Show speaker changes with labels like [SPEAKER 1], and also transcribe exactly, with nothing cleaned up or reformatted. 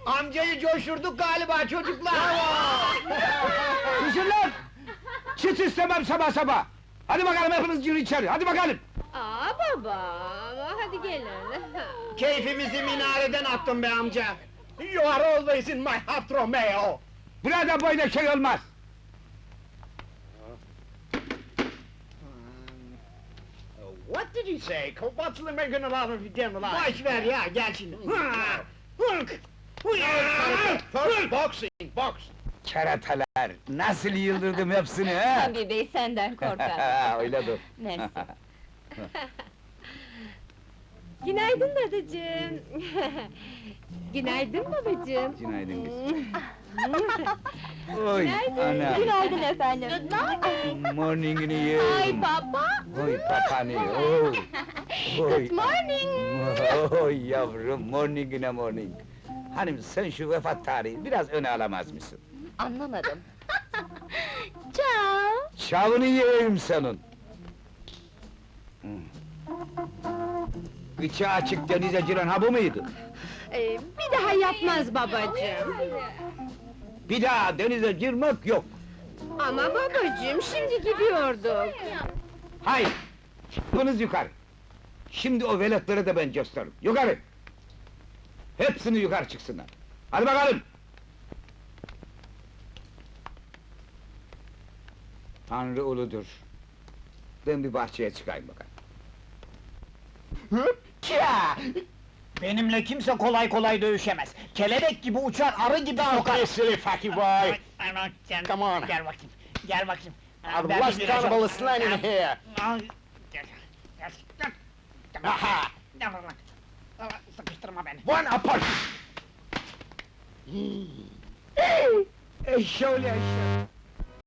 [SPEAKER 1] Amcayı coşturduk galiba çocuklar!
[SPEAKER 2] Susun lan! Çıt istemem sabah sabah! Hadi bakalım hepiniz girin içeri, hadi bakalım!
[SPEAKER 3] Aa baba, hadi gelin.
[SPEAKER 1] Keyfimizi minareden attın be amca! You are always in my heart, Romeo!
[SPEAKER 2] Burada böyle şey olmaz!
[SPEAKER 1] What did you say? What's the making a lot of dinner like? Boş ver ya, gel şimdi! Hırk! First boxing, box!
[SPEAKER 2] Keratalar, nasıl yıldırdım hepsini ha?
[SPEAKER 3] Tabii bey senden korkar.
[SPEAKER 2] Öyle dur.
[SPEAKER 3] Mersi. Günaydın dadıcığım. Günaydın babacığım.
[SPEAKER 2] Günaydın kızım. Oy,
[SPEAKER 3] Günaydın.
[SPEAKER 2] ana!
[SPEAKER 3] Günaydın efendim.
[SPEAKER 2] Morning'ini yerim!
[SPEAKER 3] Ay baba.
[SPEAKER 2] Oy papani, oy! Oy!
[SPEAKER 3] Good morning.
[SPEAKER 2] Oy yavrum, morning'ine morning! Hanım sen şu vefat tarihi biraz öne alamaz mısın?
[SPEAKER 3] Anlamadım. Ciao.
[SPEAKER 2] Çavını yiyeyim senin! Gıçı açık denize giren ha bu muydu?
[SPEAKER 3] Ee, bir daha yapmaz babacığım.
[SPEAKER 2] Bir daha denize girmek yok!
[SPEAKER 3] Ama babacığım şimdi gidiyorduk.
[SPEAKER 2] Hayır! Çıkınız yukarı! Şimdi o veletlere de ben gösteririm, yukarı! Hepsini yukarı çıksınlar! Hadi bakalım! Tanrı uludur! Ben bir bahçeye çıkayım bakalım!
[SPEAKER 1] Ya! Benimle kimse kolay kolay dövüşemez. Kelebek gibi uçar, arı gibi sokar.
[SPEAKER 4] Silly fucky boy!
[SPEAKER 1] Ay, ay, gel,
[SPEAKER 4] Come on.
[SPEAKER 1] Gel bakayım, gel bakayım.
[SPEAKER 4] I've
[SPEAKER 1] Ben
[SPEAKER 4] lost
[SPEAKER 1] bir
[SPEAKER 4] count of
[SPEAKER 1] biraz-
[SPEAKER 4] all the slang in here!
[SPEAKER 1] Ay, gel, gel, gel.
[SPEAKER 4] Aha!
[SPEAKER 1] Gel lan. Al, sıkıştırma beni.
[SPEAKER 4] One apart!
[SPEAKER 2] Eşşoğlu eşşoğlu!